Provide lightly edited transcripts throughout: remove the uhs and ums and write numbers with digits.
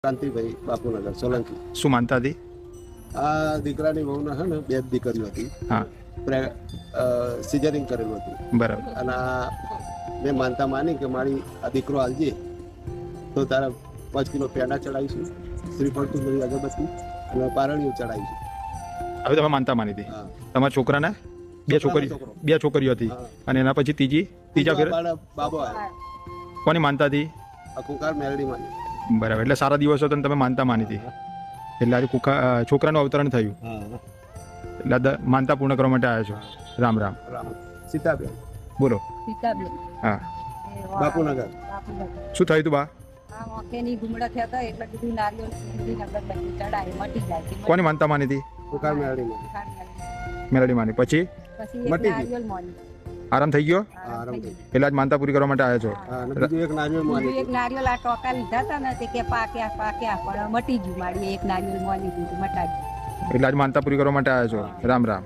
કાંતિભાઈ બાપુનગર સોલંકી. શું માનતા હતી? આ દીકરાની વહુને છે ને 2 દીકરીઓ હતી. હા, સિઝરિંગ કરેલું હતું. બરાબર. અને મેં માનતા માની કે મારી આ દીકરો હાલજે તો તારા 5 કિલો પેંડા ચડાવીશું, શ્રીફળ તુલસી અગરબત્તી અને પારણીઓ ચડાવીશું. હવે તમે માનતા માની હતી. હા, તમારા છોકરાને બે છોકરીઓ હતી અને એના પછી ત્રીજા ફેર બાબો આવ્યો. કોની માનતા હતી? આ કુકાર મેલડી માની. બરાબર. એટલે સારા દિવસો હતા તમે માનતા માની હતી. એટલે આજે છોકરાનું અવતરણ થયું. એટલે માનતા પૂર્ણ કરવા માટે આવ્યા છો. રામ રામ. રામ. સીતાબેન બોલો. સીતાબેન હા, બાપુનગર. શું થયું તું બા? આ ઓકેની ગુમડા થયા હતા એટલે કીધું નારિયેળ સુંદરી અગરબત્તી ચડાય મટી જાય. કોની માનતા માની હતી? કુકાર મેલડી માની. મેલડી માની. પછી પછી એક મટી ગઈ. નારિયેળ માની. આરામ થઈ ગયો? આરામ થઈ ગયો. એટલે આજ માનતા પૂરી કરવા માટે આવ્યા છો. હા, અને બીજું એક નારિયેળ બીજું માની. એક નારિયેળ આ ટોકા લીધા હતા ને તે કે પાક્યા પણ મટી ગયું. મારી એક નારિયેળ માની દીધું મટાડી. એટલે આજ માનતા પૂરી કરવા માટે આવ્યા છો. રામ રામ.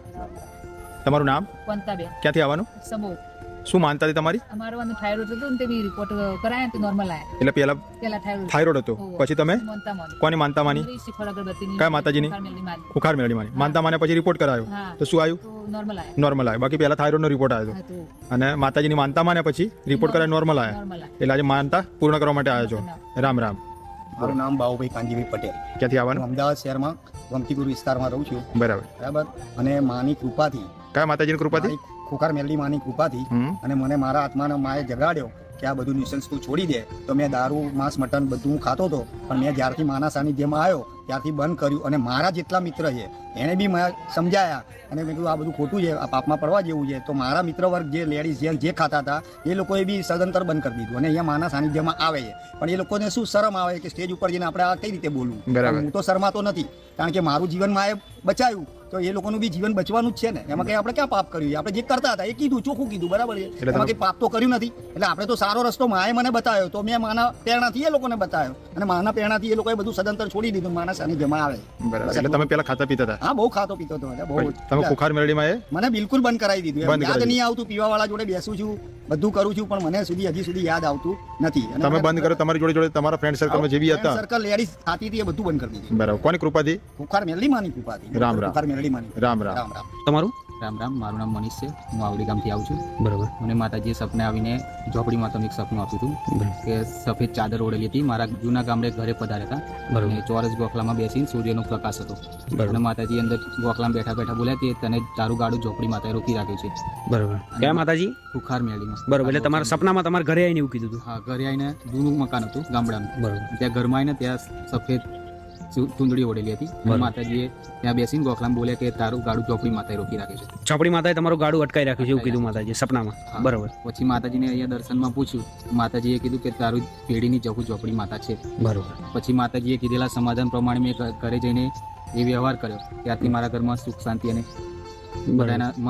તમારું નામ? વંતાબેન ક્યાંથી આવવાનું? સમોર. શું માનતા હતી તમારી? અમારું આનું થાઇરોઇડ હતું ને તે બી રિપોર્ટ કરાયા તો નોર્મલ આયા. એટલે પેલા પેલા થાઇરોઇડ હતો, પછી તમે મનતા માની. કોની માનતા માની? શ્રીફળ અગરબત્તીની. કયા માતાજીની? કારમેલની માની. ખુખાર મેળડી માની. માનતા માને પછી રિપોર્ટ કરાયો હા. તો શું આવ્યું? તો નોર્મલ આયા. નોર્મલ આવ્યો. બાકી પહેલા થાઇરોઇડનો રિપોર્ટ આવ્યો હતો હા, તો અને માતાજીની માનતા માને પછી રિપોર્ટ કરાય નોર્મલ આવ્યા. નોર્મલ આયા. એટલે આજે માનતા પૂર્ણ કરવા માટે આવ્યા છો. રામ રામ. મારું નામ બાબુભાઈ કાંજીભાઈ પટેલ. ક્યાંથી હું આવવાનું? અમદાવાદ શહેરમાં ગમતીપુર વિસ્તારમાં રહું છું. બરાબર. બરાબર. અને માની કૃપાથી, કયા માતાજીની કૃપાથી? મારી ખોખાર મેલડી માની કૃપાથી અને મને મારા આત્માના માએ જગાડ્યો કે આ બધું ન્યુસન્સ તું છોડી દે. તો મેં દારૂ માંસ મટન બધું હું ખાતો હતો, પણ મેં જ્યારથી માના સાનિધ્યમાં આવ્યો ત્યારથી બંધ કર્યું. અને મારા જેટલા મિત્ર છે એને બી મેં સમજાયા અને મેં કીધું આ બધું ખોટું છે, આ પાપમાં પડવા જેવું છે. તો મારા મિત્ર વર્ગ જે લેડીઝ જે ખાતા હતા એ લોકોએ બી સદંતર બંધ કરી દીધું અને અહીંયા માના સાનિધ્યમાં આવે છે. પણ એ લોકોને શું શરમ આવે કે સ્ટેજ ઉપર જઈને આપણે આ કઈ રીતે બોલવું. બરાબર. હું તો શરમાતો નથી, કારણ કે મારું જીવન માએ બચાવ્યું તો એ લોકોનું બી જીવન બચવાનું જ છે ને. એમાં કઈ આપણે ક્યાં પાપ કર્યું છે? આપણે જે કરતા હતા એ કીધું, ચોખ્ખું કીધું, બરાબર છે. એમાં કઈ પાપ તો કર્યું નથી. એટલે આપણે તો સારો રસ્તો માએ મને બતાવ્યો તો મેં માના પ્રેરણાથી એ લોકોને બતાવ્યો અને માના પ્રેરણાથી એ લોકોએ બધું સદંતર છોડી દીધું. માના સાનિધ્યમાં આવે. બરાબર. એટલે તમે પેલા ખાતા પીતા હતા? હા, બહુ ખાતો પીતો હતો. બહુ. તમે ખુખાર મેળડીમાં એ મને બિલકુલ બંધ કરાવી દીધું. બંધ યાદ કરાવી નહીં આવતું. પીવા વાળા જોડે બેસું છું, બધું કરું છું, પણ મને હજી સુધી યાદ આવતું નથી. અને તમે બંધ કરો, તમારી જોડે તમારા ફ્રેન્ડ સર્કલમાં જે બી હતા? સર્કલ લેડીઝ ખાતી હતી એ બધું બંધ કરી દીધું. બરાબર. કોની કૃપાથી? ખુખાર મેલડી માની કૃપાથી. રામ રામ. ખુખાર મેલડી માની. રામ રામ. રામ રામ. તમારું? રામ રામ. મારું નામ મનીષ છે. હું આવડી ગામથી આવું છું. બરાબર. મને માતાજીએ સપને આવીને ઝોપડી માતાનું એક સપનું આપ્યું હતું કે સફેદ ચાદર ઓઢેલી હતી. મારા જૂના ગામડે ઘરે પધાર્યા હતા અને ચોરસ ગોખલામાં બેસીને સૂર્યનો પ્રકાશ હતો અને માતાજી અંદર ગોખલામાં બેઠા બેઠા બોલ્યા કે તને તારું ગાડું ઝોપડી માતાએ રોકી રાખ્યું છે. બરોબર. કયા માતાજી? ખુખાર મેળીમાં. બરોબર. એટલે તમારા સપનામાં તમારા ઘરે આવીને એવું કીધું હતું? હા, ઘરે આવીને જૂનું મકાન હતું ગામડાનું. બરોબર. ત્યાં ઘરમાં આવીને ત્યાં સફેદ ચૂંદડી ઓઢેલી હતી અને માતાજીએ ત્યાં બેસીને ગોખલામાં બોલ્યા કે તારું ગાડું ઝોપડી માતાએ રોકી રાખ્યું છે. ચોપડી માતાએ તમારું ગાડું અટકાઈ રાખ્યું છે એવું કીધું માતાજી સપનામાં? હા. બરોબર. પછી માતાજીને અહીંયા દર્શનમાં પૂછ્યું. માતાજીએ કીધું કે તારું પેઢીની જવું ઝોપડી માતા છે. બરોબર. પછી માતાજીએ કીધેલા સમાધાન પ્રમાણે મેં ઘરે જઈને એ વ્યવહાર કર્યો. ત્યારથી મારા ઘરમાં સુખ શાંતિ અને બધાના